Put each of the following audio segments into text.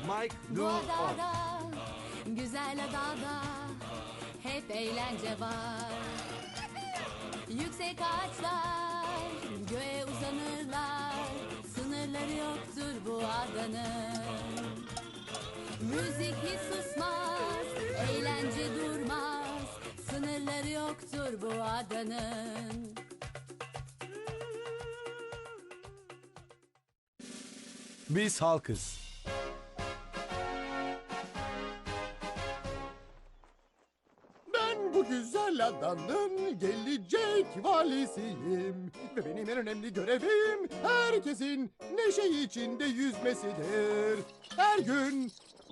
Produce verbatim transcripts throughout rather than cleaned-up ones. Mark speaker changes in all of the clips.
Speaker 1: Mike,
Speaker 2: Bu
Speaker 1: Lou,
Speaker 2: adada,
Speaker 1: on.
Speaker 2: güzel adada hep eğlence var. Yüksek ağaçlar göğe uzanırlar. Sınırları yoktur bu adanın. Müzik hiç susmaz, eğlence durmaz. Sınırları yoktur bu adanın.
Speaker 1: Biz halkız.
Speaker 3: Ben bu güzel adanın gelecek valisiyim. Ve benim en önemli görevim herkesin neşe içinde yüzmesidir. Her gün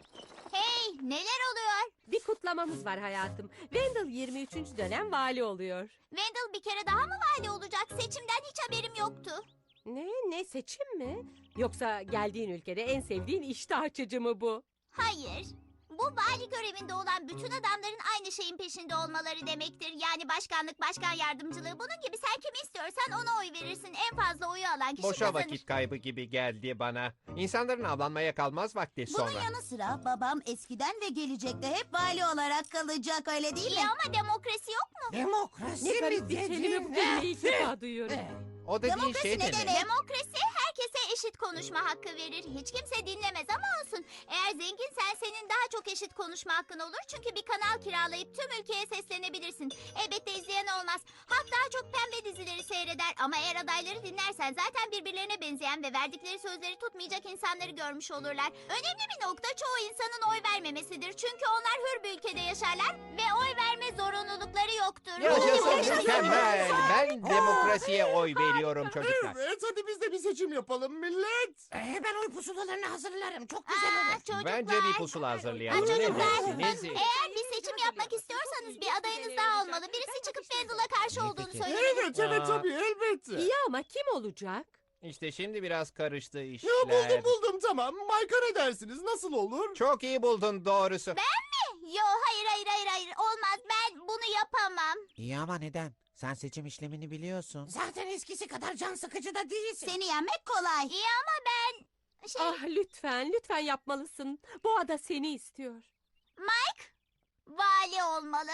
Speaker 4: Hey, neler oluyor?
Speaker 5: Bir kutlamamız var hayatım. Wendell yirmi üçüncü dönem vali oluyor.
Speaker 4: Wendell bir kere daha mı vali olacak? Seçimden hiç haberim yoktu.
Speaker 5: Ne? Ne seçim mi? Yoksa geldiğin ülkede en sevdiğin iştah açıcı mı bu?
Speaker 4: Hayır. Bu vali görevinde olan bütün adamların aynı şeyin peşinde olmaları demektir. Yani başkanlık, başkan yardımcılığı. Bunun gibi sen kimi istiyorsan ona oy verirsin. En fazla oyu alan kişi
Speaker 6: Boşa
Speaker 4: kazanır.
Speaker 6: vakit kaybı gibi geldi bana. İnsanların avlanmaya kalmaz vakti sonra.
Speaker 7: Bunun yanı sıra babam eskiden ve gelecekte hep vali olarak kalacak, öyle değil
Speaker 4: İyi
Speaker 7: mi?
Speaker 4: ama demokrasi yok mu?
Speaker 8: Demokrasi
Speaker 5: Ne
Speaker 8: mi
Speaker 5: garip bir kelime bu
Speaker 8: dedin?
Speaker 5: kelimeyi ilk defa duyuyorum.
Speaker 6: O dediğin
Speaker 7: Demokrasi
Speaker 6: şey
Speaker 7: ne
Speaker 6: demek.
Speaker 7: demek?
Speaker 4: Demokrasi herkese eşit konuşma hakkı verir. Hiç kimse dinlemez ama olsun. Eğer zenginsen senin daha çok eşit konuşma hakkın olur. Çünkü bir kanal kiralayıp tüm ülkeye seslenebilirsin. Elbette izleyen olmaz. Halk daha çok pembe dizileri seyreder. Ama eğer adayları dinlersen zaten birbirlerine benzeyen ve verdikleri sözleri tutmayacak insanları görmüş olurlar. Önemli bir nokta çoğu insanın oy vermemesidir. Çünkü onlar hür bir ülkede yaşarlar ve oy verme zorunlulukları yoktur.
Speaker 6: Yaşasın mükemmel. Ben demokrasiye oy veriyorum çocuklar.
Speaker 3: evet hadi biz de bir seçim yapalım millet.
Speaker 8: Ee, ben oy pusulalarını hazırlarım. Çok güzel
Speaker 4: Aa,
Speaker 8: olur.
Speaker 4: çocuklar.
Speaker 6: Bence bir pusula hazırlayalım.
Speaker 4: Ha,
Speaker 6: Ne
Speaker 4: çocuklar.
Speaker 6: dersiniz?
Speaker 4: Eğer bir seçim yapmak istiyorsanız bir adayınız daha olmalı. Birisi çıkıp Wendell'a karşı olduğunu
Speaker 6: peki.
Speaker 4: söylemeli.
Speaker 3: Evet evet
Speaker 6: Aa.
Speaker 3: tabii elbette.
Speaker 5: İyi ama kim olacak?
Speaker 6: İşte şimdi biraz karıştı
Speaker 3: Ya
Speaker 6: işler.
Speaker 3: buldum buldum tamam. Mike'a ne dersiniz? Nasıl olur?
Speaker 6: Çok iyi buldun doğrusu.
Speaker 4: Yo hayır hayır hayır hayır olmaz ben bunu yapamam.
Speaker 9: İyi ama neden? Sen seçim işlemini biliyorsun.
Speaker 8: Zaten eskisi kadar can sıkıcı da değilsin.
Speaker 7: Seni yenmek kolay.
Speaker 4: İyi ama ben şey
Speaker 5: Ah lütfen, lütfen yapmalısın. Bu ada seni istiyor.
Speaker 4: Mike vali olmalı.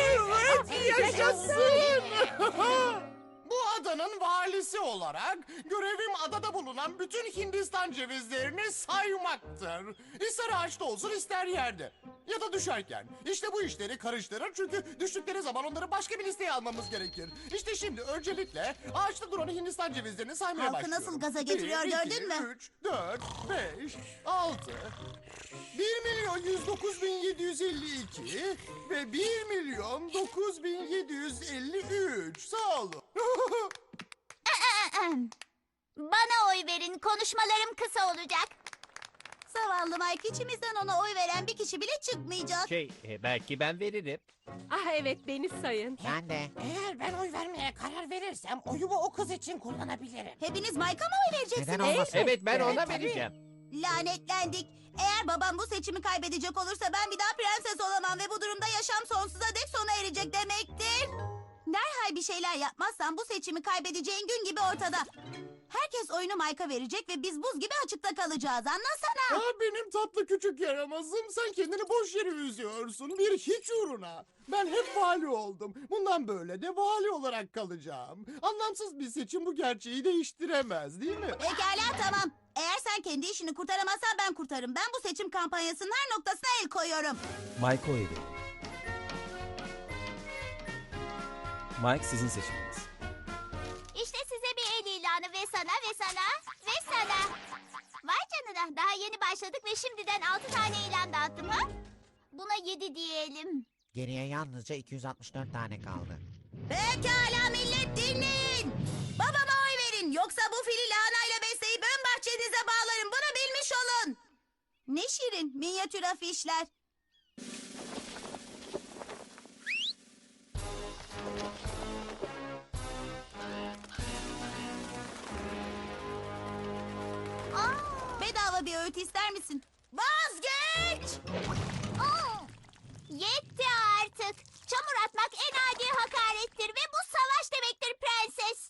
Speaker 3: Evet yaşasın. Bu adanın valisi olarak görevim adada bulunan bütün Hindistan cevizlerini saymaktır. İster ağaçta olsun ister yerde. Ya da düşerken. İşte bu işleri karıştırır çünkü düştükleri zaman onları başka bir listeye almamız gerekir. İşte şimdi öncelikle ağaçta duran Hindistan cevizlerini saymaya
Speaker 7: Halkı
Speaker 3: başlıyorum.
Speaker 7: nasıl gaza getiriyor,
Speaker 3: Bir,
Speaker 7: gördün
Speaker 3: iki,
Speaker 7: mü?
Speaker 3: üç, dört, beş, altı, bir milyon yüz dokuz bin yedi yüz elli iki ve bir milyon dokuz bin yedi yüz elli üç. Sağ olun.
Speaker 4: Bana oy verin konuşmalarım kısa olacak.
Speaker 7: Zavallı Mike, içimizden ona oy veren bir kişi bile çıkmayacak.
Speaker 6: Şey e, belki ben veririm.
Speaker 5: Ah evet, beni sayın.
Speaker 9: Ben de.
Speaker 8: Eğer ben oy vermeye karar verirsem oyumu o kız için kullanabilirim.
Speaker 7: Hepiniz Mike'a mı oy vereceksiniz?
Speaker 9: Neden olmasın?
Speaker 6: Evet ben
Speaker 8: Evet,
Speaker 6: ona
Speaker 8: tabii.
Speaker 6: vereceğim.
Speaker 7: Lanetlendik. Eğer babam bu seçimi kaybedecek olursa ben bir daha prenses olamam ve bu durumda yaşam sonsuza dek sona erecek demektir. Derhal bir şeyler yapmazsan bu seçimi kaybedeceğin gün gibi ortada. Herkes oyunu Mike'a verecek ve biz buz gibi açıkta kalacağız. Anlasana.
Speaker 3: Aa, benim tatlı küçük yaramazım. Sen kendini boş yere üzüyorsun. Bir hiç uğruna. Ben hep vali oldum. Bundan böyle de vali olarak kalacağım. Anlamsız bir seçim bu gerçeği değiştiremez değil mi?
Speaker 7: Pekala tamam. Eğer sen kendi işini kurtaramazsan ben kurtarırım. Ben bu seçim kampanyasının her noktasına el koyuyorum.
Speaker 1: Mike oy verin. Mike sizin seçiminiz.
Speaker 4: İşte size bir el ilanı ve sana ve sana ve sana. Vay canına daha yeni başladık ve şimdiden altı tane ilan dağıttım ha? Buna yedi diyelim.
Speaker 9: Geriye yalnızca iki yüz altmış dört tane kaldı.
Speaker 7: Pekala millet dinleyin. Babama oy verin. Yoksa bu fili lahanayla besleyip ön bahçenize bağlarım. Bunu bilmiş olun. Ne şirin minyatür afişler.
Speaker 4: Aa,
Speaker 7: Bedava bir öğüt ister misin? Vazgeç!
Speaker 4: aa. Yetti artık. Çamur atmak en adi hakarettir ve bu savaş demektir prenses.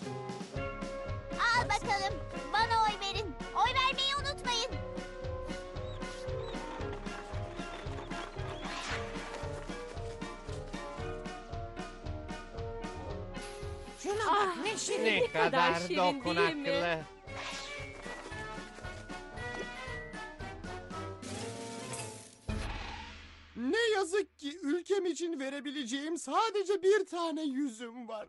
Speaker 4: Al bakalım. Bana oy verin. Oy vermeyi unutmayın.
Speaker 8: Şuna
Speaker 5: Ah,
Speaker 8: bak ne şirin.
Speaker 6: Ne
Speaker 5: Ne kadar
Speaker 6: kadar
Speaker 5: şirin değil mi?
Speaker 6: dokunaklı.
Speaker 3: Ne yazık ki ülkem için verebileceğim sadece bir tane yüzüm var.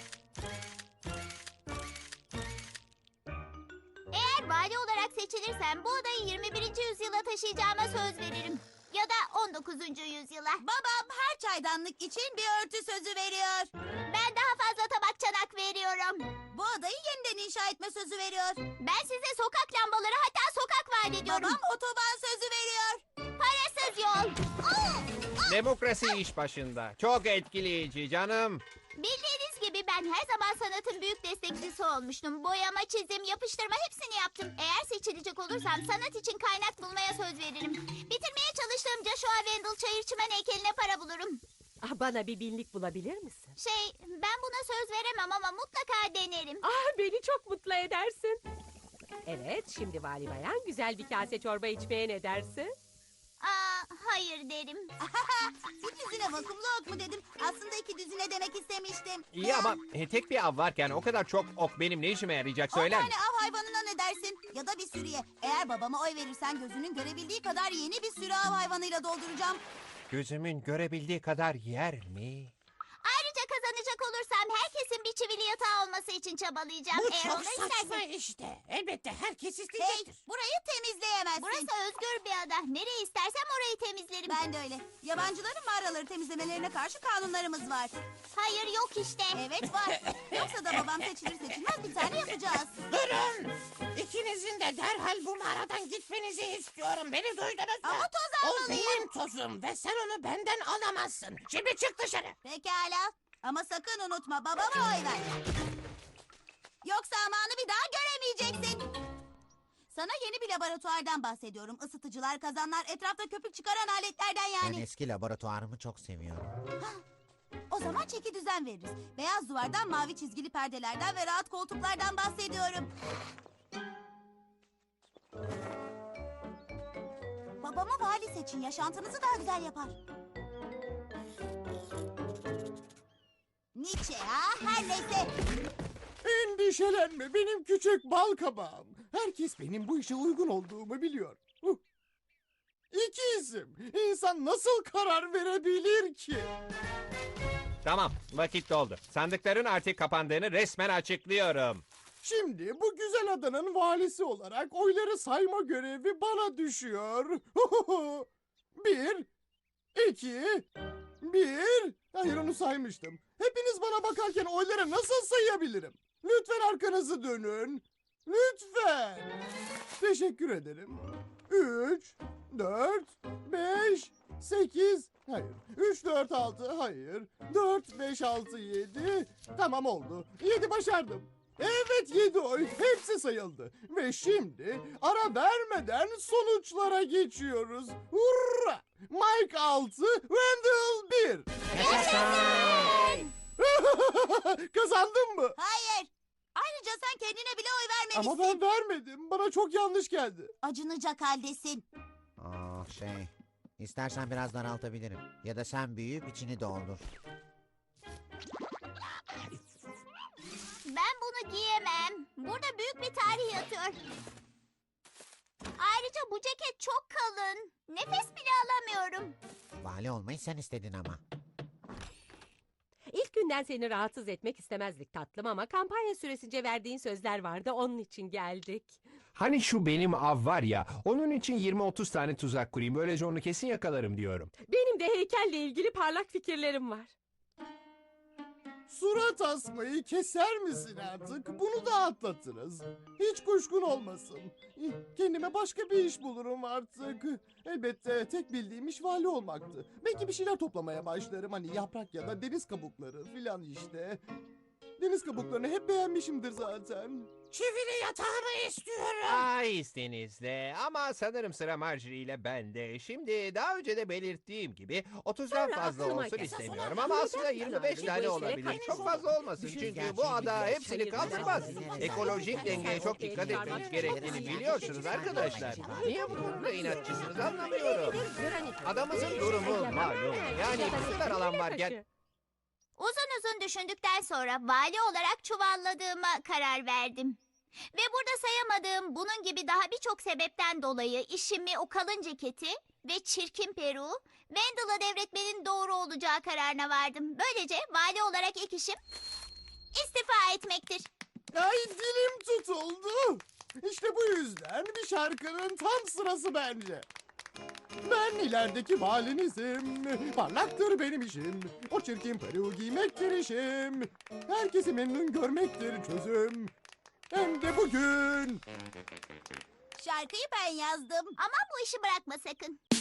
Speaker 4: Eğer vali olarak seçilirsem bu odayı yirmi birinci yüzyıla taşıyacağıma söz veririm. Ya da on dokuzuncu yüzyıla.
Speaker 7: Babam her çaydanlık için bir örtü sözü veriyor.
Speaker 4: Ben daha fazla tabak çanak veriyorum.
Speaker 7: Bu odayı yeniden inşa etme sözü veriyor.
Speaker 4: Ben size sokak lambaları hatta sokak vaat ediyorum.
Speaker 7: Babam otoban sözü veriyor.
Speaker 4: Parasız yol. Oo!
Speaker 6: Demokrasi iş başında. Çok etkileyici canım.
Speaker 4: Bildiğiniz gibi ben her zaman sanatın büyük destekçisi olmuştum. Boyama, çizim, yapıştırma hepsini yaptım. Eğer seçilecek olursam sanat için kaynak bulmaya söz veririm. Bitirmeye çalıştığım Joshua Wendell çayır çimen heykeline para bulurum.
Speaker 5: Ah, bana bir binlik bulabilir misin?
Speaker 4: Şey, ben buna söz veremem ama mutlaka denerim.
Speaker 5: Ah, beni çok mutlu edersin. Evet, şimdi vali bayan güzel bir kase çorba içmeye ne dersin?
Speaker 4: Aa, hayır derim.
Speaker 7: Bir düzine vakumlu ok mu dedim. Aslında iki düzine demek istemiştim.
Speaker 6: İyi ama e, tek bir av varken o kadar çok ok benim ne işime yarayacak
Speaker 7: On
Speaker 6: söyler
Speaker 7: tane
Speaker 6: misin?
Speaker 7: av hayvanına ne dersin? Ya da bir sürüye. Eğer babama oy verirsen gözünün görebildiği kadar yeni bir sürü av hayvanıyla dolduracağım.
Speaker 6: Gözümün görebildiği kadar yer mi?
Speaker 4: Ayrıca kazanacak olursam herkesin bir çivili yatağı olması için çabalayacağım.
Speaker 8: Bu
Speaker 4: Eğer
Speaker 8: çok
Speaker 4: onu
Speaker 8: saçma
Speaker 4: istersen.
Speaker 8: işte. Elbette herkes
Speaker 7: Hey,
Speaker 8: isteyecektir.
Speaker 7: burayı temizleyemezsin.
Speaker 4: Burası özgür bir ada. Nereye istersem orayı temizlerim.
Speaker 7: Ben de öyle. Yabancıların mağaraları temizlemelerine karşı kanunlarımız var.
Speaker 4: Hayır yok işte.
Speaker 7: Evet var. Yoksa da babam seçilir seçilmez bir tane yapacağız.
Speaker 8: Durun. İkinizin de derhal bu mağaradan gitmenizi istiyorum. Beni duydunuz mu?
Speaker 7: Ama toz
Speaker 8: O
Speaker 7: almalıyım.
Speaker 8: benim tozum ve sen onu benden alamazsın. Şimdi çık dışarı.
Speaker 7: Pekala. Ama sakın unutma babama oy ver. Yoksa amanı bir daha göremeyeceksin. Sana yeni bir laboratuvardan bahsediyorum. Isıtıcılar, kazanlar, etrafta köpük çıkaran aletlerden
Speaker 9: Ben
Speaker 7: yani.
Speaker 9: eski laboratuvarımı çok seviyorum.
Speaker 7: O zaman çeki düzen veririz. Beyaz duvardan, mavi çizgili perdelerden ve rahat koltuklardan bahsediyorum. Babama vali seçin. Yaşantınızı daha güzel yapar. Nietzsche ha? Her neyse.
Speaker 3: Endişelenme benim küçük bal kabağım. Herkes benim bu işe uygun olduğumu biliyor. Huh. İki isim. İnsan nasıl karar verebilir ki?
Speaker 6: Tamam, vakit doldu. Sandıkların artık kapandığını resmen açıklıyorum.
Speaker 3: Şimdi bu güzel adanın valisi olarak oyları sayma görevi bana düşüyor. Bir, iki, bir. Hayır onu saymıştım. Hepiniz bana bakarken oyları nasıl sayabilirim? Lütfen arkanızı dönün. Lütfen. Teşekkür ederim. Üç, dört, beş, sekiz. Hayır. Üç, dört, altı. Hayır. Dört, beş, altı, yedi. Tamam oldu. Yedi başardım. Evet yedi oy. Hepsi sayıldı. Ve şimdi ara vermeden sonuçlara geçiyoruz. Hurra! Mike altı, Wendell bir. Kazandın mı?
Speaker 7: Hayır. Ayrıca sen kendine bile oy vermemişsin.
Speaker 3: Ama ben vermedim. Bana çok yanlış geldi.
Speaker 7: Acınacak haldesin.
Speaker 9: Oh şey. İstersen biraz daraltabilirim. Ya da sen büyüyüp içini doldur.
Speaker 4: Ben bunu giyemem. Burada büyük bir tarih yatıyor. Ayrıca bu ceket çok kalın. Nefes bile alamıyorum.
Speaker 9: Vali olmayı sen istedin ama.
Speaker 5: İlk günden seni rahatsız etmek istemezdik tatlım ama kampanya süresince verdiğin sözler vardı, onun için geldik.
Speaker 10: Hani şu benim av var ya, onun için yirmi otuz tane tuzak kurayım. Böylece onu kesin yakalarım diyorum.
Speaker 5: Benim de heykelle ilgili parlak fikirlerim var.
Speaker 3: Surat asmayı keser misin artık? Bunu da atlatırız. Hiç kuşkun olmasın. Kendime başka bir iş bulurum artık. Elbette tek bildiğim iş vali olmaktı. Belki bir şeyler toplamaya başlarım. Hani yaprak ya da deniz kabukları filan işte. Deniz kabuklarını hep beğenmişimdir zaten.
Speaker 8: Çivili yatağımı istiyorum.
Speaker 6: Ay izninizle ama sanırım sıra Marjorie ile bende. Şimdi daha önce de belirttiğim gibi otuzdan
Speaker 5: Sonra
Speaker 6: fazla
Speaker 5: aklıma
Speaker 6: olsun
Speaker 5: geldi.
Speaker 6: istemiyorum
Speaker 5: Sonra
Speaker 6: ama
Speaker 5: neden
Speaker 6: aslında yirmi beş
Speaker 5: yani? Bu
Speaker 6: tane
Speaker 5: işlere
Speaker 6: olabilir.
Speaker 5: karşı
Speaker 6: Çok
Speaker 5: olun.
Speaker 6: fazla olmasın
Speaker 9: Düşün
Speaker 6: çünkü
Speaker 9: gerçeği
Speaker 6: bu ada
Speaker 9: biliyor.
Speaker 6: hepsini
Speaker 5: Hayır,
Speaker 6: kaldırmaz.
Speaker 5: hayır,
Speaker 6: Ekolojik
Speaker 5: hayır,
Speaker 6: dengeye çok
Speaker 5: hayır,
Speaker 6: dikkat
Speaker 5: hayır,
Speaker 6: etmemiz
Speaker 5: hayır,
Speaker 6: gerektiğini
Speaker 5: hayır,
Speaker 6: biliyorsunuz
Speaker 5: hayır,
Speaker 6: arkadaşlar.
Speaker 5: hayır,
Speaker 6: Niye bu konuda inatçısınız anlamıyorum.
Speaker 5: Granit.
Speaker 6: Adamızın durumu malum. Yani bu kadar alan varken
Speaker 4: Uzun uzun düşündükten sonra vali olarak çuvalladığıma karar verdim. Ve burada sayamadığım bunun gibi daha birçok sebepten dolayı işimi o kalın ceketi ve çirkin peruğu Wendell'a devretmenin doğru olacağı kararına vardım. Böylece vali olarak ilk işim istifa etmektir.
Speaker 3: Ay dilim tutuldu. İşte bu yüzden bir şarkının tam sırası bence. Ben ilerideki valinizim. Parlaktır benim işim. O çirkin peruğu giymektir işim. Herkesi memnun görmektir çözüm. Hem de bugün.
Speaker 7: Şarkıyı ben yazdım.
Speaker 4: Ama bu işi bırakma sakın.